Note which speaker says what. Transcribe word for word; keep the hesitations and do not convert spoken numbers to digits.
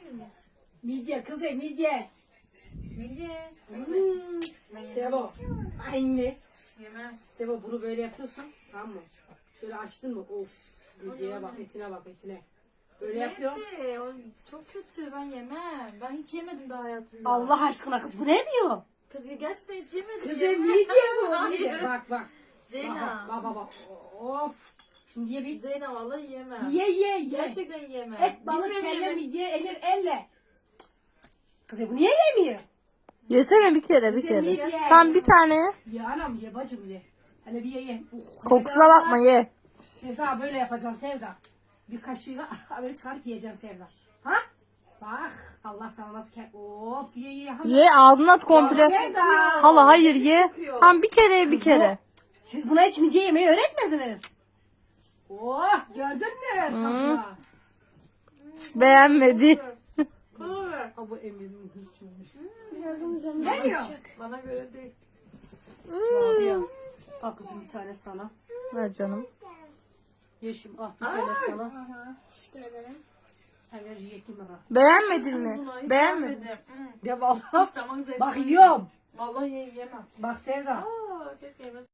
Speaker 1: Midye kızı midye.
Speaker 2: Midye.
Speaker 1: Hmm. Sevo. Aynı.
Speaker 2: Yemem.
Speaker 1: Sevo bunu böyle yapıyorsun. Tamam mı? Şöyle açtın mı? Of. Midyeye bak, etine bak, etine. Böyle yapıyorum.
Speaker 2: Neyse, o çok kötü, ben yemem. Ben hiç yemedim daha hayatımda.
Speaker 1: Allah aşkına kız bu ne diyor?
Speaker 2: Kız gerçekten hiç yemedim.
Speaker 1: Kız
Speaker 2: yemem.
Speaker 1: midye bu.
Speaker 2: Hayır.
Speaker 1: Midye. Bak bak.
Speaker 2: Ceyna.
Speaker 1: Bak bak bak. Of. Şimdi ye bir.
Speaker 2: Ceyna vallahi yemem.
Speaker 1: Ye ye ye.
Speaker 2: Gerçekten yemem.
Speaker 1: Et, balık,
Speaker 2: Bilmiyorum
Speaker 1: kelle,
Speaker 2: yemek-
Speaker 1: midye, emir, elle. Kız bu niye yemiyor?
Speaker 3: Yesene bir kere bir
Speaker 1: Midye,
Speaker 3: kere.
Speaker 1: midye.
Speaker 3: Tam bir tane ye.
Speaker 1: Ye anam ye bacım ye. Hele bir ye ye. Uh, hele
Speaker 3: Kokusuna
Speaker 1: bir-
Speaker 3: bakma ye.
Speaker 1: Sevda böyle yapacaksın Sevda. Bir kaşığıyla böyle çıkarıp yiyeceksin Sevda. Ha? Bak Allah sana nasıl ke... Of ye ye. Hadi.
Speaker 3: Ye ağzına at komple.
Speaker 1: Sevda.
Speaker 3: Hala hayır ye. Tam bir kere ye bir kere.
Speaker 1: Siz buna hiç midye yemeyi öğretmediniz. Oh gördün mü? Tadına.
Speaker 3: Beğenmedi.
Speaker 2: Bana ver.
Speaker 1: Ha bu emirin hırçınmış.
Speaker 2: Ne diyor? Bana göre değil.
Speaker 1: Abi ya. Al kızım bir tane sana.
Speaker 3: Ver canım.
Speaker 1: Yeşim al bir tane sana.
Speaker 4: Teşekkür ederim.
Speaker 1: Enerji yetim ara.
Speaker 3: Beğenmedin mi?
Speaker 2: Buna hiç
Speaker 3: Beğenmedin.
Speaker 2: beğenmedim. Hmm.
Speaker 1: De vallahi.
Speaker 2: Hiç damak zevkim
Speaker 1: Bak
Speaker 2: yok.
Speaker 1: yiyorum.
Speaker 2: Vallahi ye- yemem.
Speaker 1: Bak Sevda.
Speaker 2: Aa, keşke yemeseydim.